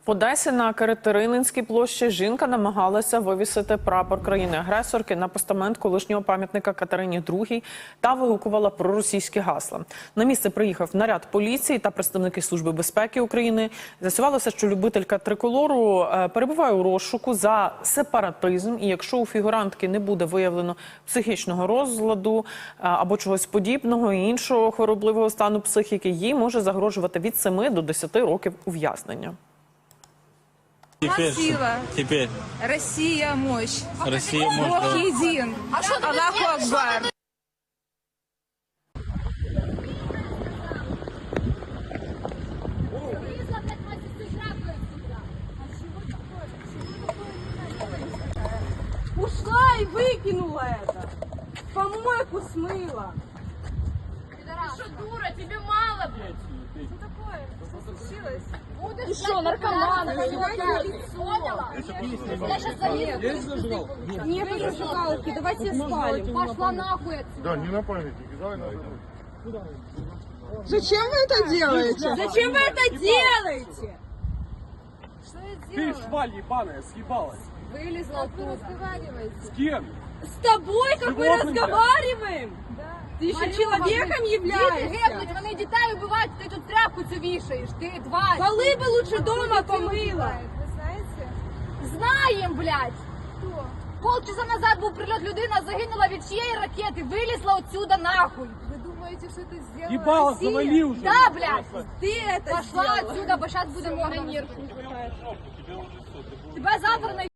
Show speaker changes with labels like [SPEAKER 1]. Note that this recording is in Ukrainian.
[SPEAKER 1] В Одесі на Катерининській площі жінка намагалася вивісити прапор країни-агресорки на постамент колишнього пам'ятника Катерині II та вигукувала проросійські гасла. На місце приїхав наряд поліції та представники Служби безпеки України. З'ясувалося, що любителька триколору перебуває у розшуку за сепаратизм, і якщо у фігурантки не буде виявлено психічного розладу або чогось подібного і іншого хворобливого стану психіки, їй може загрожувати від 7 до 10 років ув'язнення.
[SPEAKER 2] Теперь.
[SPEAKER 3] Россия мощь.
[SPEAKER 2] Россия мощь.
[SPEAKER 3] Бог един. Аллаху Акбар.
[SPEAKER 4] Ушла и выкинула это. Помойку смыла.
[SPEAKER 5] Ты что, дура, тебе мало, блядь?
[SPEAKER 4] Что такое? Что случилось?
[SPEAKER 5] Будешь
[SPEAKER 4] Ты что, наркоман?
[SPEAKER 5] поняла? Я сейчас залезу.
[SPEAKER 4] Нет зажигалки, давайте спалим.
[SPEAKER 5] Пошла нахуй отсюда.
[SPEAKER 6] Да, не на памятнике, давай на
[SPEAKER 4] Зачем вы это делаете? Зачем вы это делаете? Что я
[SPEAKER 7] Ты,
[SPEAKER 4] делала?
[SPEAKER 7] шваль ебаная, съебалась.
[SPEAKER 4] Вылезла оттуда.
[SPEAKER 7] С кем?
[SPEAKER 4] С тобой, как мы
[SPEAKER 7] Животным,
[SPEAKER 4] разговариваем? Ты еще человеком
[SPEAKER 5] Діти
[SPEAKER 4] являешься?
[SPEAKER 5] гепнуть, вони дітей вбивають, ти тут тряпку цю вішаєш, ти тварь.
[SPEAKER 4] Полы бы лучше дома помыла.
[SPEAKER 3] Вы знаете,
[SPEAKER 5] Знаєм, блядь.
[SPEAKER 3] кто?
[SPEAKER 5] Полчаса назад був прильот, людина загинула від чиєї ракети, вилізла отсюда нахуй.
[SPEAKER 3] Вы думаете, что это сделала
[SPEAKER 7] Ебало,
[SPEAKER 3] Россия?
[SPEAKER 7] завали уже.
[SPEAKER 5] Да, блядь.
[SPEAKER 4] Ты это
[SPEAKER 5] Пошла
[SPEAKER 4] сделала.
[SPEAKER 5] отсюда, бо зараз будемо огонь. Тебе завтра